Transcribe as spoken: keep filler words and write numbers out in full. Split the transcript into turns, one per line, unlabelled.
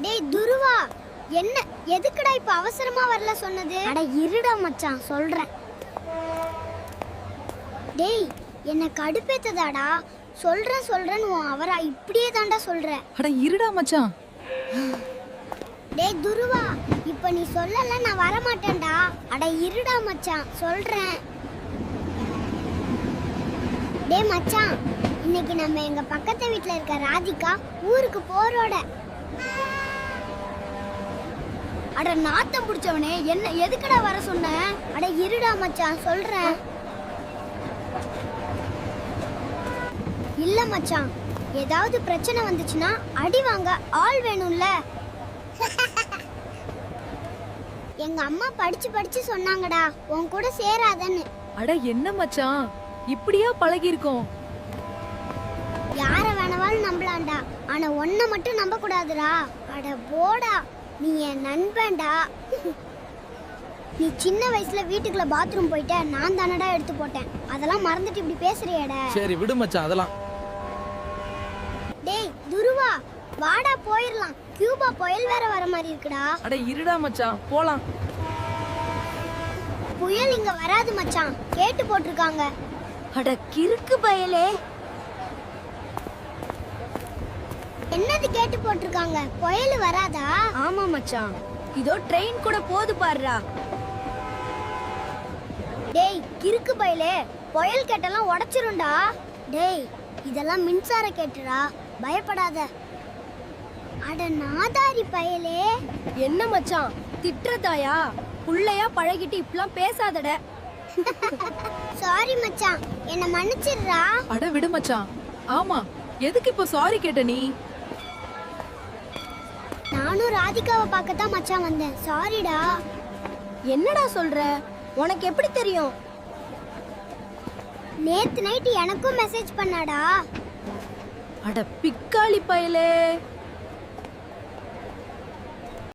டேய் துருவா, என்ன எதுக்குடா இப்ப அவசரமா வரல சொன்னது? அட இருடா மச்சான் சொல்றேன். டேய் என்ன கடுப்பேத்ததாடா. சொல்றேன் சொல்றேன்னு உன் அவரா இப்படியே தாண்டா சொல்ற.
அட இருடா மச்சான்.
டேய் துருவா, இப்ப நீ சொல்லல நான் வர மாட்டேன்டா. அட இருடா மச்சான் சொல்றேன். டேய் மச்சான், இன்னைக்கு நம்ம எங்க பக்கத்து வீட்ல இருக்க ராதிகா ஊருக்கு போறோட. அட நாத்தம் புடிச்சவனே, என்ன எதுக்குடா வர சொன்ன? அட இருடா மச்சான் சொல்றேன். இல்ல மச்சான், ஏதாவது பிரச்சனை வந்துச்சுன்னா அடி வாங்க ஆள் வேணும்ல. எங்க அம்மா படிச்சு படிச்சு சொன்னாங்கடா உன் கூட சேராதன்னு.
அட என்ன மச்சான், இப்படியா பழகி இருக்கோம்?
யார வேணாலும் நம்பலாம்டா, ஆனா ஒன்ன மட்டும் நம்ப கூடாதுடா. அட போடா, நீ என் நண்பன்டா. நீ சின்ன வயசுல வீட்டுக்குள்ள பாத்ரூம் போயிட்ட, நான் தானடா எடுத்து போட்டேன். அதெல்லாம் மறந்துட்டு இப்படி பேசுறியேடா.
சரி விடு மச்சான் அதெல்லாம்.
டேய் துருவா, வாடா போயிரலாம். கியூபா புயல் வேற வர மாதிரி இருக்குடா.
அட இருடா மச்சான் போலாம்.
புயல் இங்க வராது மச்சான், கேட்டு போட்டிருக்காங்க.
அட கிறுக்கு பயலே,
என்னது கேட்டு போட்டிருக்காங்க? புயல் வராதா?
ஆமா மச்சான், இதோ ட்ரெயின் கூட போது பாருடா.
டேய் கிறுக்கு பயலே, புயல் கேட்டெல்லாம் உடைச்சிரும்டா. டேய் இதெல்லாம் மின்சார கேட்டுடா, பயப்படாத. அட நாதாரி பயலே.
என்ன மச்சான் திட்டுறதாயா? புள்ளையா பழகிட்டு இப்பலாம் பேசாதட.
சாரி மச்சான், என்ன மன்னிச்சிடுறா.
அட விடு மச்சான். ஆமா, எதுக்கு இப்ப சாரி கேட்ட நீ?
நானும் ராதிகாவை பார்க்கத்தான் மச்சான் வந்தேன். சாரிடா.
என்னடா சொல்ற? உனக்கு எப்படி தெரியும்?
நேத்து நைட் எனக்கும் மெசேஜ் பண்ணாடா.
அட பிக்காளி பயலே.